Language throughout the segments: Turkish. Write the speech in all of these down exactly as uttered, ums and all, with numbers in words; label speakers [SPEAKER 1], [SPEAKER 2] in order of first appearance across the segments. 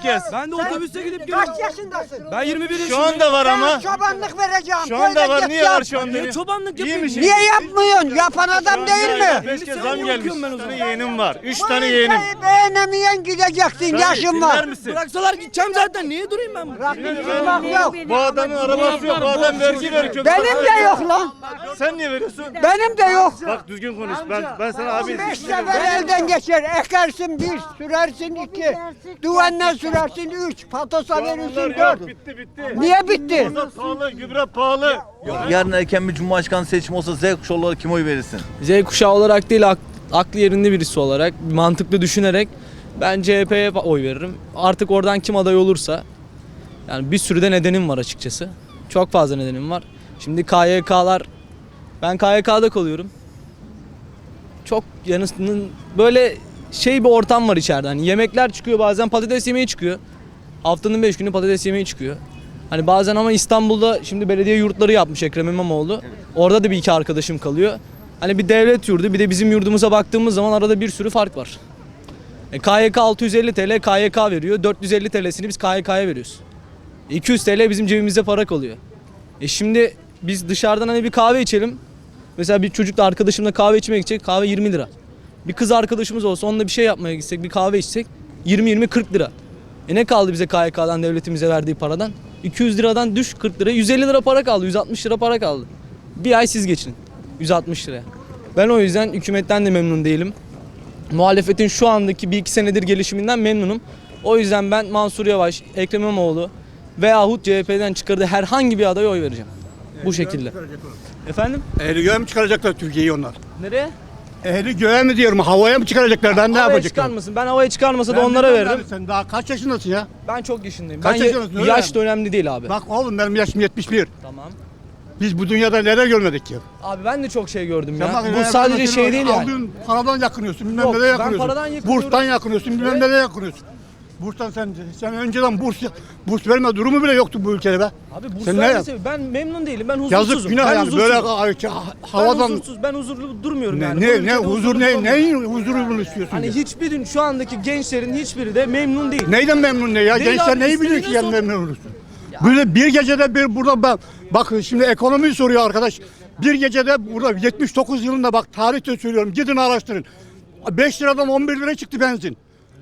[SPEAKER 1] gez.
[SPEAKER 2] Ben de otobüste gidip geliyorum.
[SPEAKER 3] Kaç yaşındasın?
[SPEAKER 2] Ben yirmi bir yaşındayım.
[SPEAKER 1] Şu anda var ama.
[SPEAKER 3] Sana çobanlık vereceğim.
[SPEAKER 1] Şu anda var.
[SPEAKER 3] Köyde
[SPEAKER 1] Niye
[SPEAKER 3] git
[SPEAKER 1] var
[SPEAKER 3] yap.
[SPEAKER 1] şu anda?
[SPEAKER 2] Niye çobanlık
[SPEAKER 1] İyi
[SPEAKER 2] yapayım?
[SPEAKER 1] mi şimdi?
[SPEAKER 3] Niye yapmıyorsun? Yapan adam değil mi?
[SPEAKER 1] Beş kez
[SPEAKER 2] Sen
[SPEAKER 1] zam
[SPEAKER 2] niye
[SPEAKER 1] gelmiş.
[SPEAKER 2] okuyorum ben o zaman?
[SPEAKER 1] Bir yeğenim var. Üç
[SPEAKER 3] Bu
[SPEAKER 1] tane yeğenim.
[SPEAKER 3] ülkeyi beğenemeyen gideceksin.
[SPEAKER 1] Sen
[SPEAKER 3] Yaşın
[SPEAKER 1] dinler
[SPEAKER 3] var.
[SPEAKER 1] misin?
[SPEAKER 2] Bıraksalar gideceğim zaten. Niye durayım ben burada?
[SPEAKER 3] Bak yok.
[SPEAKER 1] Bu adamın arabası yok. Bu adam vergi veriyor. kötü.
[SPEAKER 3] Benim de yok lan.
[SPEAKER 1] Sen niye veriyorsun?
[SPEAKER 3] Benim de yok.
[SPEAKER 1] Bak düzgün konuş. Ben ben sana abi.
[SPEAKER 3] Beş sefer elden geçer. Ekersin bir, sürersin iki. Duvanla sürersin üç. Patosa verirsin dört.
[SPEAKER 1] Bitti bitti.
[SPEAKER 3] Niye bitti?
[SPEAKER 1] Mazot pahalı, gübre pahalı.
[SPEAKER 4] Yarın erken bir cumhurbaşkanı seçimi olsa Z kuşağı olarak kime oy verirsin?
[SPEAKER 2] Z kuşağı olarak değil, ak- aklı yerinde birisi olarak, mantıklı düşünerek ben C H P'ye oy veririm. Artık oradan kim aday olursa, yani bir sürü de nedenim var açıkçası. Çok fazla nedenim var. Şimdi K Y K'lar, ben K Y K'da kalıyorum. Çok yanısının böyle şey bir ortam var içeride. Hani yemekler çıkıyor, bazen patates yemeği çıkıyor. Haftanın beş günü patates yemeği çıkıyor. Hani bazen ama İstanbul'da şimdi belediye yurtları yapmış Ekrem İmamoğlu. Orada da bir iki arkadaşım kalıyor. Hani bir devlet yurdu, bir de bizim yurdumuza baktığımız zaman arada bir sürü fark var. E, K Y K altı yüz elli TL K Y K veriyor. dört yüz elli TL'sini biz K Y K'ya veriyoruz. iki yüz TL bizim cebimizde para kalıyor. E şimdi biz dışarıdan hani bir kahve içelim. Mesela bir çocukla arkadaşımla kahve içmeye gidecek, kahve yirmi lira. Bir kız arkadaşımız olsa onunla bir şey yapmaya gitsek, bir kahve içsek yirmi yirmi kırk lira. E ne kaldı bize K Y K'dan, devletimize verdiği paradan? iki yüz liradan düş kırk lira, yüz elli lira para kaldı, yüz altmış lira para kaldı. Bir ay siz geçin yüz altmış liraya. Ben o yüzden hükümetten de memnun değilim. Muhalefetin şu andaki bir iki senedir gelişiminden memnunum. O yüzden ben Mansur Yavaş, Ekrem İmamoğlu veyahut C H P'den çıkardığı herhangi bir adaya oy vereceğim. Bu şekilde. Efendim?
[SPEAKER 5] Ehli göğe mi çıkaracaklar Türkiye'yi onlar?
[SPEAKER 2] Nereye?
[SPEAKER 5] Ehli göğe mi diyorum, havaya mı çıkaracaklar? Ben ne
[SPEAKER 2] Havaya
[SPEAKER 5] yapacaklar?
[SPEAKER 2] çıkarmasın. Ben havaya çıkarmasa da
[SPEAKER 5] Ben
[SPEAKER 2] onlara
[SPEAKER 5] bilmiyorum
[SPEAKER 2] veririm.
[SPEAKER 5] abi, sen daha kaç yaşındasın ya?
[SPEAKER 2] Ben çok yaşındayım.
[SPEAKER 5] Kaç
[SPEAKER 2] ben
[SPEAKER 5] yaşındasın, öyle
[SPEAKER 2] yaş
[SPEAKER 5] mi?
[SPEAKER 2] da önemli değil abi.
[SPEAKER 5] Bak oğlum benim yaşım yetmiş bir.
[SPEAKER 2] Tamam.
[SPEAKER 5] Biz bu dünyada neler görmedik ki?
[SPEAKER 2] Abi ben de çok şey gördüm
[SPEAKER 5] Sen
[SPEAKER 2] ya.
[SPEAKER 5] bak,
[SPEAKER 2] Bu
[SPEAKER 5] ben
[SPEAKER 2] sadece
[SPEAKER 5] mesela
[SPEAKER 2] şey değil yani.
[SPEAKER 5] Aldığın paradan yakınıyorsun, bilmem
[SPEAKER 2] Yok,
[SPEAKER 5] nereye
[SPEAKER 2] ben
[SPEAKER 5] yakınıyorsun.
[SPEAKER 2] paradan yakınıyorum.
[SPEAKER 5] Burstan yakınıyorsun, bilmem
[SPEAKER 2] Evet.
[SPEAKER 5] nereye yakınıyorsun. Burstan sen sen önceden burs burs verme durumu bile yoktu bu ülkede be.
[SPEAKER 2] Abi bu
[SPEAKER 5] Sen ne yap-
[SPEAKER 2] sadece ben memnun değilim. Ben huzursuzum.
[SPEAKER 5] Yazık günah
[SPEAKER 2] ben
[SPEAKER 5] yani
[SPEAKER 2] huzursuzum.
[SPEAKER 5] böyle ha-
[SPEAKER 2] Ben
[SPEAKER 5] havadan
[SPEAKER 2] huzursuz, ben huzurlu durmuyorum
[SPEAKER 5] ne
[SPEAKER 2] yani. Bu
[SPEAKER 5] ne,
[SPEAKER 2] ülkede
[SPEAKER 5] ne huzur
[SPEAKER 2] huzurlu
[SPEAKER 5] ne
[SPEAKER 2] durmuyorum.
[SPEAKER 5] neyin huzuru bunu istiyorsun?
[SPEAKER 2] Hani
[SPEAKER 5] ya?
[SPEAKER 2] hiçbir şu andaki gençlerin hiçbiri de memnun değil.
[SPEAKER 5] Neyden memnun ne ya?
[SPEAKER 2] Değil
[SPEAKER 5] Gençler
[SPEAKER 2] abi,
[SPEAKER 5] neyi biliyor ki
[SPEAKER 2] istediğine
[SPEAKER 5] yani
[SPEAKER 2] sor.
[SPEAKER 5] memnun olursun? Böyle bir gecede bir burada bak, bakın şimdi ekonomiyi soruyor arkadaş. Bir gecede burada yetmiş dokuz yılında bak tarihte söylüyorum gidin araştırın. beş liradan on bir lira çıktı benzin.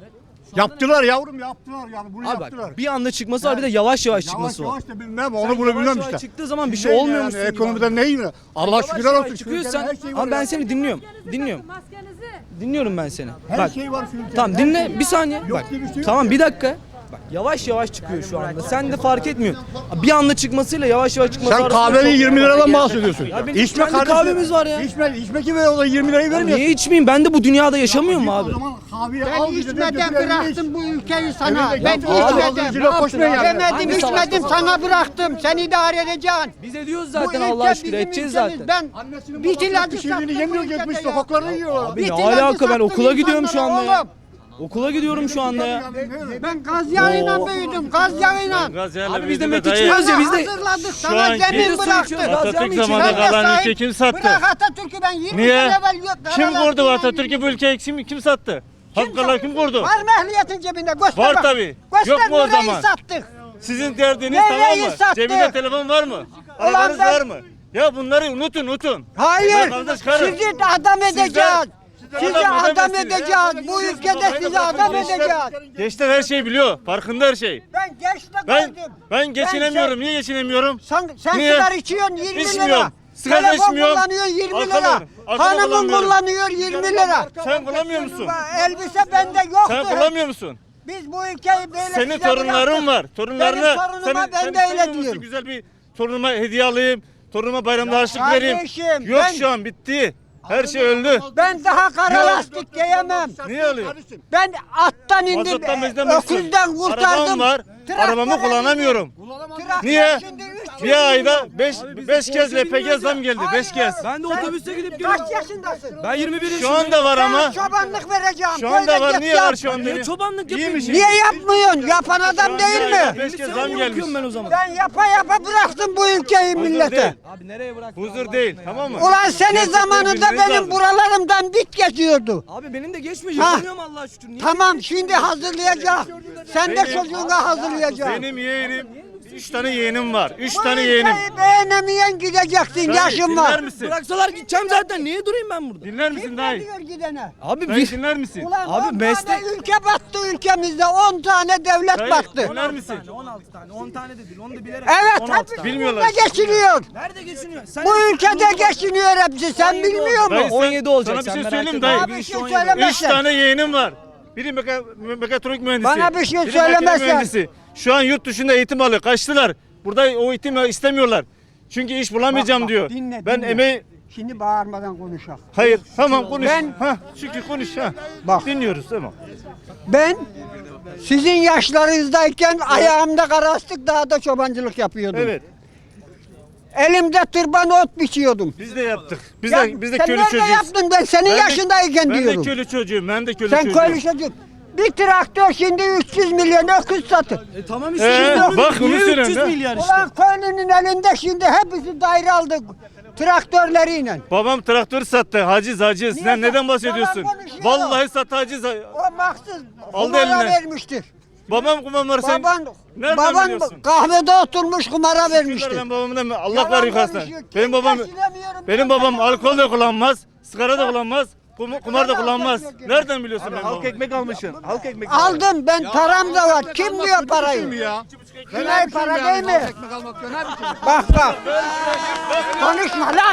[SPEAKER 5] Yaptılar yavrum yaptılar yani bunu
[SPEAKER 2] Abi
[SPEAKER 5] yaptılar.
[SPEAKER 2] bak bir anda çıkması var bir de yavaş yavaş çıkması
[SPEAKER 5] Yavaş
[SPEAKER 2] var.
[SPEAKER 5] yavaş da bilmem
[SPEAKER 2] Sen
[SPEAKER 5] onu bunu
[SPEAKER 2] yavaş
[SPEAKER 5] bilmem
[SPEAKER 2] yavaş
[SPEAKER 5] işte.
[SPEAKER 2] çıktığı zaman bir
[SPEAKER 5] Siz
[SPEAKER 2] şey
[SPEAKER 5] neyin
[SPEAKER 2] olmuyor
[SPEAKER 5] yani,
[SPEAKER 2] musun gibi
[SPEAKER 5] ekonomiden
[SPEAKER 2] abi.
[SPEAKER 5] neyin? Allah
[SPEAKER 2] Yavaş
[SPEAKER 5] şükürler
[SPEAKER 2] yavaş
[SPEAKER 5] olsun.
[SPEAKER 2] çıkıyorsan
[SPEAKER 5] Türkiye'de her şey var
[SPEAKER 2] ama ben
[SPEAKER 5] ya.
[SPEAKER 2] seni dinliyorum. Dinliyorum. Dinliyorum ben seni.
[SPEAKER 5] Her
[SPEAKER 2] Bak.
[SPEAKER 5] şey var şu ülkede.
[SPEAKER 2] Tamam
[SPEAKER 5] her
[SPEAKER 2] dinle
[SPEAKER 5] şey.
[SPEAKER 2] bir saniye.
[SPEAKER 5] Yok
[SPEAKER 2] Bak.
[SPEAKER 5] diye bir şey yok
[SPEAKER 2] Tamam
[SPEAKER 5] ya.
[SPEAKER 2] bir dakika. Bak yavaş yavaş çıkıyor şu anda. Sen de fark etmiyorsun. Bir anda çıkmasıyla yavaş yavaş çıkması
[SPEAKER 5] Sen
[SPEAKER 2] arasında
[SPEAKER 5] kahvenin
[SPEAKER 2] çok-
[SPEAKER 5] yirmi liradan bahsediyorsun.
[SPEAKER 2] Ya benim
[SPEAKER 5] İçme
[SPEAKER 2] kendi
[SPEAKER 5] kardeşim.
[SPEAKER 2] kahvemiz var ya.
[SPEAKER 5] İçme, içme ki o da yirmi lirayı vermiyor.
[SPEAKER 2] Niye içmeyeyim? Ben de bu dünyada yaşamıyorum mu abi?
[SPEAKER 5] O zaman kahveyi
[SPEAKER 3] Ben
[SPEAKER 5] al bize de
[SPEAKER 3] içmeden
[SPEAKER 5] götür evine iç.
[SPEAKER 3] bıraktım bu ülkeyi sana.
[SPEAKER 5] Evine
[SPEAKER 3] Ben
[SPEAKER 5] git, al, al,
[SPEAKER 3] içmedim.
[SPEAKER 5] zincire koşma yani.
[SPEAKER 3] Yemedim
[SPEAKER 2] Hangi
[SPEAKER 3] içmedim
[SPEAKER 2] savaşta?
[SPEAKER 3] sana bıraktım. Sen idare edeceksin.
[SPEAKER 2] Biz ediyoruz
[SPEAKER 3] Bu
[SPEAKER 2] zaten
[SPEAKER 3] ülke
[SPEAKER 2] Allah aşkına
[SPEAKER 3] bizim
[SPEAKER 2] edeceğiz
[SPEAKER 3] ülkemiz.
[SPEAKER 2] zaten.
[SPEAKER 3] Ben
[SPEAKER 5] Annesinin
[SPEAKER 3] bir
[SPEAKER 5] babasının
[SPEAKER 3] ilacı
[SPEAKER 5] pişirdiğini
[SPEAKER 3] sattım
[SPEAKER 5] yemiyor
[SPEAKER 3] bu
[SPEAKER 5] gitmiş
[SPEAKER 3] ülkede ya.
[SPEAKER 5] sokaklarda yiyorlar.
[SPEAKER 2] Abi
[SPEAKER 3] Bir
[SPEAKER 2] ne
[SPEAKER 3] ilacı
[SPEAKER 2] alaka ben
[SPEAKER 3] sattım
[SPEAKER 2] okula gidiyorum şu anda
[SPEAKER 3] insanlara
[SPEAKER 2] ya.
[SPEAKER 3] oğlum.
[SPEAKER 2] Okula gidiyorum şu anda ya.
[SPEAKER 3] Ben gaz yağıyla büyüdüm, gaz yağıyla.
[SPEAKER 1] Gaz yağıyla
[SPEAKER 2] Abi biz de
[SPEAKER 1] büyüdü
[SPEAKER 2] metik
[SPEAKER 1] dayı.
[SPEAKER 2] içiyoruz ya biz de.
[SPEAKER 3] Hazırladık,
[SPEAKER 1] Şu
[SPEAKER 3] sana
[SPEAKER 1] anki-
[SPEAKER 3] zemin
[SPEAKER 2] Biz de su
[SPEAKER 3] bıraktık.
[SPEAKER 2] içiyoruz, gaz
[SPEAKER 1] Atatürk
[SPEAKER 2] yağmıyor
[SPEAKER 1] zamanında
[SPEAKER 2] içiyoruz.
[SPEAKER 1] kalan
[SPEAKER 3] sahip-
[SPEAKER 1] ülke kim sattı?
[SPEAKER 3] Bırak Atatürk'ü ben yirmi
[SPEAKER 1] Niye?
[SPEAKER 3] sene evvel yok.
[SPEAKER 1] Kim
[SPEAKER 3] Karalar
[SPEAKER 1] kurdu
[SPEAKER 3] Kıyı'dan
[SPEAKER 1] Atatürk'ü bu
[SPEAKER 3] gidiyorum.
[SPEAKER 1] ülkeye kim kim sattı? Halkalar kim kurdu?
[SPEAKER 3] Var mı ehliyetin cebinde? Göster
[SPEAKER 1] Var
[SPEAKER 3] bak.
[SPEAKER 1] tabii.
[SPEAKER 3] Göster
[SPEAKER 1] Yok mu o
[SPEAKER 3] nereyi
[SPEAKER 1] zaman?
[SPEAKER 3] sattık.
[SPEAKER 1] Sizin derdiniz
[SPEAKER 3] Nereyi
[SPEAKER 1] tamam mı?
[SPEAKER 3] sattı?
[SPEAKER 1] Cebinde telefon var mı? Arabanız
[SPEAKER 3] ben-
[SPEAKER 1] var mı? Ya bunları unutun unutun.
[SPEAKER 3] Hayır.
[SPEAKER 1] Vatandaş karı.
[SPEAKER 3] Sizi de adam edeceğiz.
[SPEAKER 1] sizden
[SPEAKER 3] Sizi
[SPEAKER 1] adam
[SPEAKER 3] adam
[SPEAKER 1] edemezsiniz.
[SPEAKER 3] edeceğiz. Bu ülkede sizi adam edeceğiz.
[SPEAKER 1] Gençler her şeyi biliyor. Farkında her şey.
[SPEAKER 3] Ben gençle
[SPEAKER 1] Ben
[SPEAKER 3] gördüm.
[SPEAKER 1] ben geçinemiyorum.
[SPEAKER 3] sen-
[SPEAKER 1] Niye geçinemiyorum?
[SPEAKER 3] Sen, sen
[SPEAKER 1] Niye?
[SPEAKER 3] sigara içiyorsun yirmi
[SPEAKER 1] İçmiyorum.
[SPEAKER 3] lira.
[SPEAKER 1] Sigara
[SPEAKER 3] Telefon
[SPEAKER 1] içmiyorum.
[SPEAKER 3] kullanıyorsun yirmi
[SPEAKER 1] Arkamı-
[SPEAKER 3] lira.
[SPEAKER 1] arkamı
[SPEAKER 3] Hanımın
[SPEAKER 1] kullanmıyorum.
[SPEAKER 3] kullanıyor yirmi lira.
[SPEAKER 1] Sen kullanmıyor musun?
[SPEAKER 3] Elbise bende yoktu.
[SPEAKER 1] Sen kullanmıyor musun?
[SPEAKER 3] Biz bu ülkeyi böyle
[SPEAKER 1] Senin
[SPEAKER 3] size
[SPEAKER 1] torunların
[SPEAKER 3] bıraktık.
[SPEAKER 1] var. Torunlarına
[SPEAKER 3] Benim torunuma
[SPEAKER 1] sen,
[SPEAKER 3] ben
[SPEAKER 1] sen
[SPEAKER 3] de
[SPEAKER 1] istemiyor
[SPEAKER 3] öyle
[SPEAKER 1] musun?
[SPEAKER 3] diyorum.
[SPEAKER 1] Güzel bir torunuma hediye alayım. Torunuma bayramda harçlık vereyim.
[SPEAKER 3] kardeşim,
[SPEAKER 1] Yok
[SPEAKER 3] ben-
[SPEAKER 1] şu an bitti. Her şey öldü.
[SPEAKER 3] Ben daha kara lastik giyemem.
[SPEAKER 1] Niye alıyor?
[SPEAKER 3] Ben attan indim,
[SPEAKER 1] Mazottan
[SPEAKER 3] e,
[SPEAKER 1] bezden besliyorum.
[SPEAKER 3] öküzden kurtardım.
[SPEAKER 1] Arabam var.
[SPEAKER 3] Traktörle
[SPEAKER 1] Arabamı kullanamıyorum.
[SPEAKER 3] Traktör
[SPEAKER 1] Niye?
[SPEAKER 3] şimdi üç
[SPEAKER 1] Bir ayda beş kez L P G zam geldi. beş kez.
[SPEAKER 2] Ben de otobüste gidip geliyorum.
[SPEAKER 3] Kaç yaşındasın?
[SPEAKER 2] Ben yirmi bir
[SPEAKER 1] Şu
[SPEAKER 2] yaşındayım.
[SPEAKER 1] anda var ama.
[SPEAKER 3] Sana çobanlık vereceğim.
[SPEAKER 1] Şu anda
[SPEAKER 3] Böyle
[SPEAKER 1] var.
[SPEAKER 3] git
[SPEAKER 1] Niye
[SPEAKER 3] yap.
[SPEAKER 1] var şu anda?
[SPEAKER 2] Niye çobanlık
[SPEAKER 1] İyi mi
[SPEAKER 2] yapayım?
[SPEAKER 1] şimdi?
[SPEAKER 3] Niye yapmıyorsun? Yapan adam değil mi?
[SPEAKER 1] beş kez
[SPEAKER 2] Sen
[SPEAKER 1] zam
[SPEAKER 2] niye
[SPEAKER 1] gelmiş.
[SPEAKER 2] bakıyorum ben o zaman?
[SPEAKER 3] Ben yapa yapa bıraktım bu ülkeyi
[SPEAKER 1] Huzur
[SPEAKER 3] millete.
[SPEAKER 1] değil.
[SPEAKER 2] Abi nereye bıraktın?
[SPEAKER 1] Huzur değil. Tamam mı?
[SPEAKER 3] Ulan senin
[SPEAKER 1] Gerçekten
[SPEAKER 3] zamanında
[SPEAKER 1] bilmeniz
[SPEAKER 3] benim
[SPEAKER 1] lazım.
[SPEAKER 3] buralarımdan bit geçiyordu.
[SPEAKER 2] Abi benim de geçmiyor.
[SPEAKER 3] Ha.
[SPEAKER 2] Yapamıyorum Allah'a şükür. Niye?
[SPEAKER 3] Tamam şimdi hazırlayacak. Sen de
[SPEAKER 1] Benim-
[SPEAKER 3] çocuğuna hazırlayacaksın.
[SPEAKER 1] Benim yeğenim, üç tane yeğenim var. Üç
[SPEAKER 3] Bu
[SPEAKER 1] tane yeğenim.
[SPEAKER 3] ülkeyi beğenemeyen gideceksin.
[SPEAKER 1] Dayı,
[SPEAKER 3] Yaşın
[SPEAKER 1] dinler
[SPEAKER 3] var.
[SPEAKER 1] misin?
[SPEAKER 2] Bıraksalar gideceğim zaten. Niye durayım ben burada?
[SPEAKER 1] Dinler misin
[SPEAKER 3] Kim
[SPEAKER 1] dayı?
[SPEAKER 3] ne diyor gidene?
[SPEAKER 2] Abi
[SPEAKER 1] Dayı
[SPEAKER 2] bir...
[SPEAKER 1] dinler misin?
[SPEAKER 3] Ulan
[SPEAKER 2] Abi
[SPEAKER 3] on
[SPEAKER 2] meslek-
[SPEAKER 3] tane ülke battı ülkemizde. on tane devlet
[SPEAKER 1] Dayı,
[SPEAKER 3] battı.
[SPEAKER 1] dinler misin?
[SPEAKER 2] on altı tane. on tane de değil. Onu da bilerek.
[SPEAKER 3] Evet
[SPEAKER 2] on altı
[SPEAKER 3] hepsi
[SPEAKER 2] tane.
[SPEAKER 1] Bilmiyorlar.
[SPEAKER 3] burada geçiniyor.
[SPEAKER 2] Nerede geçiniyor? Sen
[SPEAKER 3] Bu ülkede geçiniyor hepsi. Sen bilmiyor
[SPEAKER 1] Dayı,
[SPEAKER 3] musun?
[SPEAKER 1] sen-
[SPEAKER 2] on yedi olacak.
[SPEAKER 1] Sana bir
[SPEAKER 2] sen
[SPEAKER 1] şey
[SPEAKER 2] merak
[SPEAKER 1] söyleyeyim
[SPEAKER 2] etme.
[SPEAKER 1] dayı.
[SPEAKER 3] Abi bir şey
[SPEAKER 2] on yedi.
[SPEAKER 3] söylemezsen.
[SPEAKER 1] Üç tane yeğenim var. Biri meka, mekatronik mühendisi.
[SPEAKER 3] Bana bir şey
[SPEAKER 1] biri makine
[SPEAKER 3] söylemezsen.
[SPEAKER 1] mühendisi. Şu an yurt dışında eğitim alıyor. Kaçtılar. Burada o eğitimi istemiyorlar. Çünkü iş bulamayacağım
[SPEAKER 3] Bak, bak,
[SPEAKER 1] diyor.
[SPEAKER 3] dinle,
[SPEAKER 1] ben
[SPEAKER 3] dinle.
[SPEAKER 1] emeği...
[SPEAKER 3] Şimdi bağırmadan konuşalım.
[SPEAKER 1] Hayır tamam konuş.
[SPEAKER 3] Ben-
[SPEAKER 1] Ha, Şükrü konuş. Ha.
[SPEAKER 3] Bak.
[SPEAKER 1] Dinliyoruz tamam.
[SPEAKER 3] Ben sizin yaşlarınızdayken ayağımda karastık dağda çobancılık yapıyordum.
[SPEAKER 1] Evet.
[SPEAKER 3] Elimde tırban ot biçiyordum.
[SPEAKER 1] Biz de yaptık. Biz
[SPEAKER 3] Ya
[SPEAKER 1] de biz de
[SPEAKER 3] sen
[SPEAKER 1] köylü
[SPEAKER 3] nerede
[SPEAKER 1] çocuğuyuz.
[SPEAKER 3] yaptın ben senin
[SPEAKER 1] Ben de-
[SPEAKER 3] yaşındayken
[SPEAKER 1] ben
[SPEAKER 3] diyorum.
[SPEAKER 1] de köylü çocuğuyum. Ben de köylü
[SPEAKER 3] Sen
[SPEAKER 1] çocuğuyum.
[SPEAKER 3] köylü çocuk. Bir traktör şimdi üç yüz milyon öküz satır.
[SPEAKER 2] E tamam işte.
[SPEAKER 1] Ee,
[SPEAKER 2] şimdi onu-
[SPEAKER 1] bak,
[SPEAKER 2] niye
[SPEAKER 1] onu söylüyorum
[SPEAKER 2] üç yüz
[SPEAKER 1] ya.
[SPEAKER 2] milyar işte.
[SPEAKER 3] Ulan köylünün elinde şimdi hepsi daire aldı traktörleriyle.
[SPEAKER 1] Babam traktör sattı. Haciz haciz.
[SPEAKER 3] Niye
[SPEAKER 1] Sen
[SPEAKER 3] sat-
[SPEAKER 1] neden bahsediyorsun?
[SPEAKER 3] Yalan konuşuyor.
[SPEAKER 1] Vallahi sattı haciz.
[SPEAKER 3] O maksız
[SPEAKER 1] Aldı
[SPEAKER 3] kumara
[SPEAKER 1] eline.
[SPEAKER 3] vermiştir.
[SPEAKER 1] Babam kumar sen.
[SPEAKER 3] Baban,
[SPEAKER 1] nereden
[SPEAKER 3] baban
[SPEAKER 1] biliyorsun?
[SPEAKER 3] kahvede oturmuş kumara vermiştir.
[SPEAKER 1] Ben babamdan Allah
[SPEAKER 3] Yalan
[SPEAKER 1] var yukarıdan.
[SPEAKER 3] konuşuyor. Kim
[SPEAKER 1] Benim babam
[SPEAKER 3] geçinemiyorum
[SPEAKER 1] benim
[SPEAKER 3] ben,
[SPEAKER 1] babam
[SPEAKER 3] ben
[SPEAKER 1] alkol de kullanmaz, sigara da kullanmaz, kum- kumar da
[SPEAKER 3] Yalan
[SPEAKER 1] kullanmaz.
[SPEAKER 3] konuşuyor.
[SPEAKER 1] Nereden biliyorsun benim
[SPEAKER 4] Halk
[SPEAKER 1] babamı?
[SPEAKER 4] ekmek almışsın. Halk ekmek.
[SPEAKER 3] Aldım ben param da var. Kim diyor parayı?
[SPEAKER 5] ya?
[SPEAKER 3] Güney para değil mi?
[SPEAKER 5] Ekmek almak döner mi?
[SPEAKER 3] Bak bak. Konuşma lan.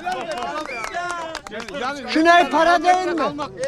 [SPEAKER 3] Güney para değil mi?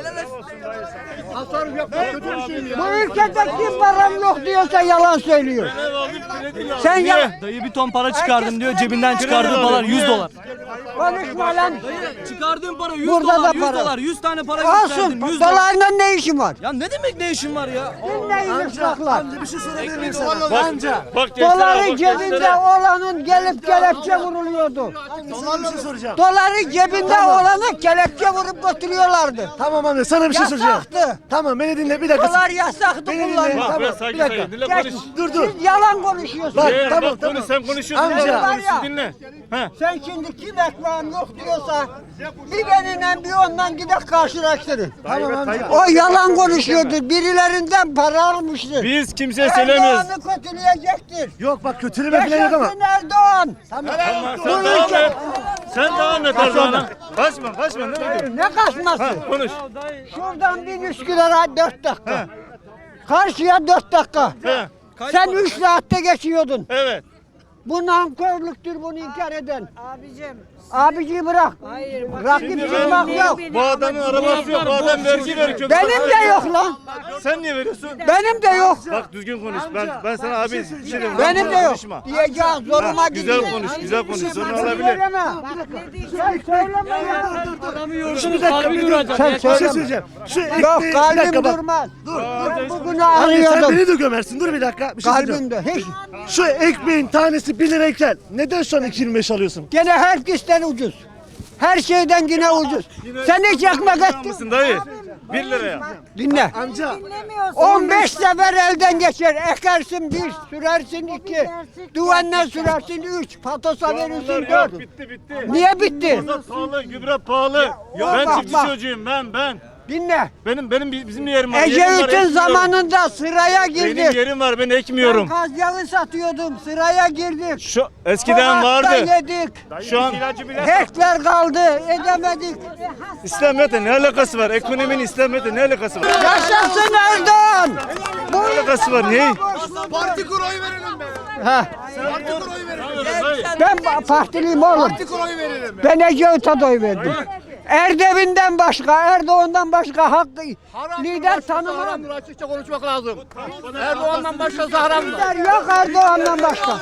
[SPEAKER 5] Tasarruf yapmak kötü bir şey mi ya?
[SPEAKER 3] Bu ülkede kim param yok diyorsa yalan söylüyor.
[SPEAKER 1] Ev aldım, kredi aldım.
[SPEAKER 3] Sen
[SPEAKER 1] Niye?
[SPEAKER 3] ya
[SPEAKER 2] Dayı bir ton para çıkardım diyor. Cebinden
[SPEAKER 1] Kredi
[SPEAKER 2] çıkardığı
[SPEAKER 1] alıyor.
[SPEAKER 2] para yüz
[SPEAKER 1] Niye?
[SPEAKER 2] dolar.
[SPEAKER 3] konuşma lan.
[SPEAKER 2] Çıkardığım para yüz
[SPEAKER 3] Burada da
[SPEAKER 2] dolar, yüz
[SPEAKER 3] para.
[SPEAKER 2] dolar. yüz tane para
[SPEAKER 3] Olsun.
[SPEAKER 2] gösterdim. yüz dolar.
[SPEAKER 3] Dolarla ne işin var?
[SPEAKER 2] Ya ne demek ne işin var ya?
[SPEAKER 3] Dinleyin uşaklar.
[SPEAKER 2] Bir şey sorabilir miyim
[SPEAKER 1] Bak, bak gençlere,
[SPEAKER 3] Doları
[SPEAKER 1] bak
[SPEAKER 3] cebinde
[SPEAKER 1] gençlere.
[SPEAKER 3] olanın gelip kelepçe vuruluyordu.
[SPEAKER 6] Sana bir şey soracağım.
[SPEAKER 3] Doları cebinde olanı kelepçe vurup götürüyorlardı.
[SPEAKER 6] Tamam anne sana bir şey soracağım.
[SPEAKER 3] Yasaktı.
[SPEAKER 6] Tamam beni dinle bir dakika.
[SPEAKER 3] Dolar yasaktı
[SPEAKER 6] Beni dinle.
[SPEAKER 3] kullanmak.
[SPEAKER 1] Bak
[SPEAKER 6] Tamam,
[SPEAKER 1] ben sakin
[SPEAKER 6] bir dakika.
[SPEAKER 1] sakin. Dinle
[SPEAKER 3] Geç,
[SPEAKER 1] konuş.
[SPEAKER 6] Dur dur.
[SPEAKER 3] Siz yalan konuşuyorsunuz.
[SPEAKER 6] Bak,
[SPEAKER 1] Eğer
[SPEAKER 6] tamam,
[SPEAKER 1] bak
[SPEAKER 6] tamam.
[SPEAKER 1] konuş sen konuşuyorsun.
[SPEAKER 6] Amca.
[SPEAKER 1] Dinle,
[SPEAKER 3] Var ya.
[SPEAKER 1] dinle. Ha.
[SPEAKER 3] Sen şimdi kim ekmeğim yok diyorsa bir benimle bir ondan gidip karşılaştırın.
[SPEAKER 6] Tamam amca.
[SPEAKER 3] O yalan konuşuyordur. Birilerinden para almıştır.
[SPEAKER 1] Biz kimseye söylemiyoruz.
[SPEAKER 3] Erdoğan'ı kötüleyecektir.
[SPEAKER 6] Yok bak kötüleme falan yok ama.
[SPEAKER 3] Yaşasın Erdoğan.
[SPEAKER 1] Tamam,
[SPEAKER 3] Bu
[SPEAKER 1] sen devam
[SPEAKER 3] ülke-
[SPEAKER 1] et. Sen devam et Erdoğan'a. Kaçma kaçma ne diyorsun?
[SPEAKER 3] Ne kaçması?
[SPEAKER 1] Ha, konuş.
[SPEAKER 3] Şuradan bin Üsküdar'a dört dakika. Karşıya dört dakika.
[SPEAKER 1] He.
[SPEAKER 3] Sen üç saatte geçiyordun.
[SPEAKER 1] Evet.
[SPEAKER 3] Bu nankörlüktür bunu inkar eden.
[SPEAKER 7] Abicim.
[SPEAKER 3] Abici bırak.
[SPEAKER 7] Hayır. bak-
[SPEAKER 3] Rakip
[SPEAKER 1] Şimdi
[SPEAKER 3] çıkmak
[SPEAKER 1] ben-
[SPEAKER 3] yok.
[SPEAKER 1] Bu adamın arabası yok. Bu adam vergi veriyor.
[SPEAKER 3] Benim de yok lan.
[SPEAKER 1] Sen niye veriyorsun?
[SPEAKER 3] Benim de yok.
[SPEAKER 1] Bak düzgün konuş. Ben ben sana abi bir şey diyorum.
[SPEAKER 3] Benim de yok.
[SPEAKER 1] Konuşma.
[SPEAKER 3] Diyeceğim zoruma
[SPEAKER 1] Ha,
[SPEAKER 3] gidiyor.
[SPEAKER 1] güzel konuş, güzel konuş. Sorun
[SPEAKER 3] Sen
[SPEAKER 1] olabilir.
[SPEAKER 3] söyleme.
[SPEAKER 7] Bak ne diyeceğim.
[SPEAKER 3] Sen söyleme ya.
[SPEAKER 6] Şu bir dakika bir dur.
[SPEAKER 3] Sen
[SPEAKER 6] Bir şey
[SPEAKER 3] söyleme.
[SPEAKER 6] söyleyeceğim. Şu ekmeği
[SPEAKER 3] Yok
[SPEAKER 6] bir
[SPEAKER 3] kalbim
[SPEAKER 6] dakika bak.
[SPEAKER 3] durmaz.
[SPEAKER 6] Dur.
[SPEAKER 3] Ben bugünü
[SPEAKER 6] Anne sen
[SPEAKER 3] arıyordum.
[SPEAKER 6] beni de gömersin. Dur bir dakika. Bir şey söyleyeceğim.
[SPEAKER 3] Kalbimde hiç.
[SPEAKER 6] Şu ekmeğin tanesi bir lirayken neden şu an iki yirmi beş alıyorsun?
[SPEAKER 3] Gene herkesten ucuz. Her şeyden yine ucuz. Sen hiç ekmek ettin.
[SPEAKER 1] Mısın dayı? Bir liraya.
[SPEAKER 3] Dinle.
[SPEAKER 6] Amca.
[SPEAKER 7] Dinlemiyorsun.
[SPEAKER 3] on beş sefer elden geçer. Ekersin bir, sürersin iki. Duvanla sürersin üç. Patosa verirsin dört.
[SPEAKER 1] Bitti bitti.
[SPEAKER 3] Niye bitti?
[SPEAKER 1] Mazot pahalı, gübre pahalı.
[SPEAKER 3] Ya,
[SPEAKER 1] Ben
[SPEAKER 3] bak,
[SPEAKER 1] çiftçi
[SPEAKER 3] bak.
[SPEAKER 1] çocuğum ben ben.
[SPEAKER 3] Dinle.
[SPEAKER 1] Benim benim bizim yerim var. yerim var,
[SPEAKER 3] Ecevit'in
[SPEAKER 1] ekmiyorum.
[SPEAKER 3] zamanında sıraya
[SPEAKER 1] Benim
[SPEAKER 3] girdik.
[SPEAKER 1] yerim var ben
[SPEAKER 3] Ben
[SPEAKER 1] ekmiyorum.
[SPEAKER 3] gaz yağı satıyordum. Sıraya girdik.
[SPEAKER 1] Şu eskiden
[SPEAKER 3] Sokakta
[SPEAKER 1] vardı.
[SPEAKER 3] yedik.
[SPEAKER 1] Şu an
[SPEAKER 3] Hekler kaldı. Edemedik.
[SPEAKER 1] İslamiyet'le ne alakası var? Ekonominin İslamiyet'le ne alakası var?
[SPEAKER 3] Yaşasın Erdoğan. Bu
[SPEAKER 1] Ne alakası var? Ne?
[SPEAKER 6] Parti kur oy verelim be.
[SPEAKER 3] Ha,
[SPEAKER 6] Parti kur oy verelim.
[SPEAKER 3] ben ba- partiliyim oğlum.
[SPEAKER 6] Parti kur oy verelim.
[SPEAKER 3] Ben Ecevit'e oy verdim. Erdem'inden başka, Erdoğan'dan başka hakkı lider tanımam.
[SPEAKER 5] Haramdır, açıkça konuşmak lazım. Erdoğan'dan başkası haramdır.
[SPEAKER 3] Lider yok Erdoğan'dan başka.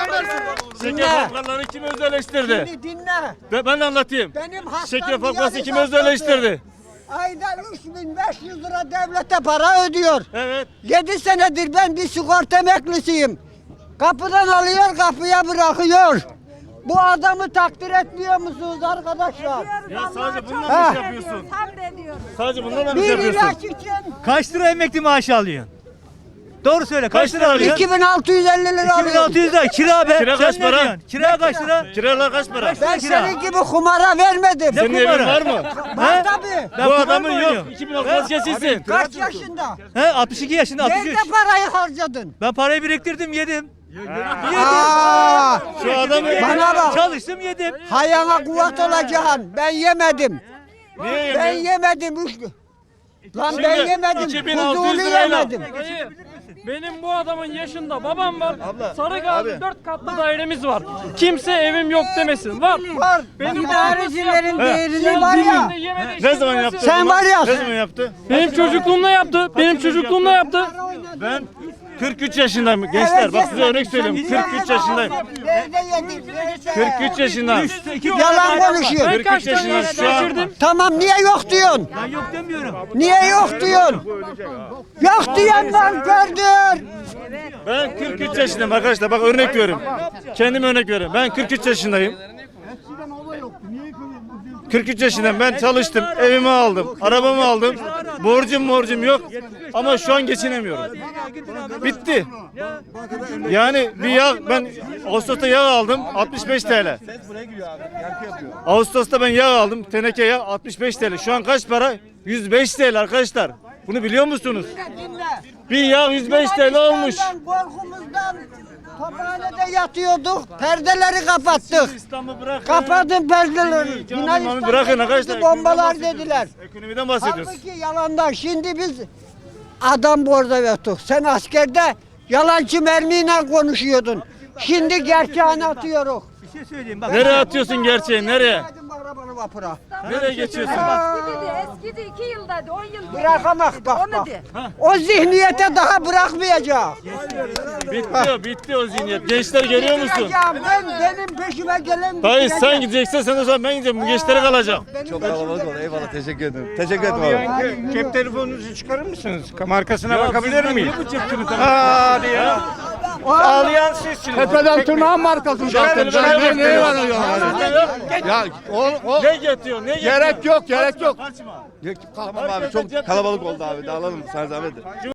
[SPEAKER 1] Şeker fabrikaları kim özelleştirdi?
[SPEAKER 3] Şimdi dinle.
[SPEAKER 1] Ve ben anlatayım.
[SPEAKER 3] Benim hastam
[SPEAKER 1] Şeker fabrikası
[SPEAKER 3] diyaliz
[SPEAKER 1] kim
[SPEAKER 3] hastası.
[SPEAKER 1] özelleştirdi?
[SPEAKER 3] Ayda üç bin beş yüz lira devlete para ödüyor.
[SPEAKER 1] Evet.
[SPEAKER 3] yedi senedir ben bir sigorta emeklisiyim. Kapıdan alıyor, kapıya bırakıyor. Bu adamı takdir etmiyor musunuz arkadaşlar?
[SPEAKER 1] Ya sadece bununla
[SPEAKER 3] Ha.
[SPEAKER 1] mı iş yapıyorsun? Sadece bununla mı iş
[SPEAKER 3] Bir
[SPEAKER 1] yapıyorsun?
[SPEAKER 3] ilaç için
[SPEAKER 7] Kaç lira emekli maaşı alıyorsun? Doğru söyle. Kaç,
[SPEAKER 1] Kaç
[SPEAKER 7] lira
[SPEAKER 1] lira
[SPEAKER 7] alıyorsun?
[SPEAKER 3] iki bin altı yüz elli lira
[SPEAKER 7] iki bin
[SPEAKER 3] alıyorum.
[SPEAKER 7] altı yüz lira kira be.
[SPEAKER 1] Kira
[SPEAKER 7] Sen
[SPEAKER 1] kaç
[SPEAKER 7] ne
[SPEAKER 1] para?
[SPEAKER 7] diyorsun? Kira kaç lira?
[SPEAKER 1] Kiralar kaç para?
[SPEAKER 3] Ben
[SPEAKER 7] kira?
[SPEAKER 3] senin gibi kumara vermedim.
[SPEAKER 1] Senin evin
[SPEAKER 7] kumara?
[SPEAKER 1] var mı?
[SPEAKER 3] Var tabii.
[SPEAKER 7] Ben
[SPEAKER 1] Bu
[SPEAKER 7] kumar
[SPEAKER 1] adamın
[SPEAKER 7] mı
[SPEAKER 1] yok.
[SPEAKER 7] oynuyorum?
[SPEAKER 1] iki bin altı vazgeçilsin.
[SPEAKER 3] Kaç yaşında?
[SPEAKER 7] He altmış iki yaşında altmış üç.
[SPEAKER 3] Nerede parayı harcadın?
[SPEAKER 7] Ben parayı biriktirdim yedim.
[SPEAKER 3] Aa,
[SPEAKER 1] Şu adamı
[SPEAKER 3] bana bak.
[SPEAKER 7] Çalıştım yedim.
[SPEAKER 3] Hayana kuvvet olacaksın. Ben yemedim.
[SPEAKER 1] niye
[SPEAKER 3] Ben
[SPEAKER 1] yemiyor?
[SPEAKER 3] yemedim. Üç... Lan
[SPEAKER 1] Şimdi
[SPEAKER 3] ben yemedim.
[SPEAKER 1] iki bin altı yüz
[SPEAKER 3] Huzurlu
[SPEAKER 1] lirayla-
[SPEAKER 3] yemedim.
[SPEAKER 8] Dayı, benim bu adamın yaşında babam var. Sarıgazi dört katlı dairemiz var. Kimse evim yok demesin. Var.
[SPEAKER 3] Var.
[SPEAKER 8] Benim
[SPEAKER 3] İdarecilerin
[SPEAKER 8] babam
[SPEAKER 3] değerini
[SPEAKER 8] nasıl
[SPEAKER 3] var ya.
[SPEAKER 8] Yemedi, yemedi,
[SPEAKER 1] Ne zaman
[SPEAKER 8] içmedi,
[SPEAKER 1] yaptı?
[SPEAKER 8] nasıl-
[SPEAKER 3] Sen var ya.
[SPEAKER 1] Ne zaman yaptı?
[SPEAKER 8] Benim çocukluğumda yaptı. Benim çocukluğumda yaptı.
[SPEAKER 1] Ben kırk üç yaşındayım gençler. Bak size örnek söyleyeyim. kırk üç yaşındayım.
[SPEAKER 3] Nerede yedin? Nerede?
[SPEAKER 1] kırk üç yaşındayım.
[SPEAKER 3] Yalan konuşuyor.
[SPEAKER 8] Ben
[SPEAKER 1] kırk üç
[SPEAKER 8] kaç tane
[SPEAKER 1] yaşındayım şu an.
[SPEAKER 8] geçirdim?
[SPEAKER 3] Tamam niye yok diyorsun?
[SPEAKER 7] Ben yok demiyorum.
[SPEAKER 3] Niye yok diyorsun? Yok diyen nankördür.
[SPEAKER 1] Ben kırk üç yaşındayım arkadaşlar. Bak örnek veriyorum. Kendime örnek veriyorum. Ben kırk üç yaşındayım. kırk üç yaşındayım. Ben çalıştım. Evimi aldım. Arabamı aldım. Borcum borcum yok. Ama şu an geçinemiyorum. Bitti. Yani bir yağ ben Ağustos'ta yağ aldım altmış beş T L. Ağustos'ta ben yağ aldım. Teneke yağ altmış beş T L. Şu an kaç para? yüz beş T L arkadaşlar. Bunu biliyor musunuz? Bir yağ yüz beş T L olmuş.
[SPEAKER 3] Korkumuzdan tophanede yatıyorduk. Perdeleri kapattık.
[SPEAKER 1] İstanbul'u bırak.
[SPEAKER 3] Kapatın perdeleri.
[SPEAKER 1] Canım,
[SPEAKER 3] Yunanistan'da
[SPEAKER 1] bırakın arkadaşlar.
[SPEAKER 3] bombalar
[SPEAKER 1] Ekonomiden
[SPEAKER 3] dediler.
[SPEAKER 1] bahsediyoruz. Ekonomiden bahsediyoruz.
[SPEAKER 3] Halbuki yalandan. Şimdi biz adam borda yattık. Sen askerde yalancı mermiyle konuşuyordun. Şimdi gerçeğini atıyoruz.
[SPEAKER 7] Bir şey söyleyeyim bak.
[SPEAKER 1] Nereye atıyorsun gerçeği? Nereye?
[SPEAKER 3] Hadi arabanı vapura.
[SPEAKER 1] Nereye geçiyorsun?
[SPEAKER 9] Eskidi, eskidi iki yılda, on yıl.
[SPEAKER 3] Bırakamak bak
[SPEAKER 9] Onu
[SPEAKER 3] bak.
[SPEAKER 9] de.
[SPEAKER 3] O zihniyete daha bırakmayacağız.
[SPEAKER 1] Bitti o, bitti o zihniyet. Gençler görüyor musun?
[SPEAKER 3] Gideceğim, Ben benim peşime gelen
[SPEAKER 1] Dayı sen
[SPEAKER 3] gidecek.
[SPEAKER 1] gideceksen sen o zaman ben gideceğim. Bu gençlere kalacak.
[SPEAKER 4] Çok kalabalık oldu. Eyvallah teşekkür ederim. Teşekkür ederim abi.
[SPEAKER 10] Cep telefonunuzu çıkarır mısınız? Markasına bakabilir
[SPEAKER 1] sizden
[SPEAKER 10] miyim?
[SPEAKER 1] niye bu cep telefonu?
[SPEAKER 10] Hadi ya. Ağlayan sizsiniz.
[SPEAKER 5] Tepeden tırnağın markası zaten.
[SPEAKER 1] Şöyle
[SPEAKER 5] Ben
[SPEAKER 1] bir
[SPEAKER 5] neye
[SPEAKER 1] şey
[SPEAKER 5] var
[SPEAKER 1] yok.
[SPEAKER 5] ya? Ya o, o
[SPEAKER 1] Ne getiriyor? Ne getiriyor?
[SPEAKER 5] gerek yok, gerek yok.
[SPEAKER 1] Kaçma.
[SPEAKER 4] Tamam abi çok kalabalık oldu abi. Dağılalım sana zahmet.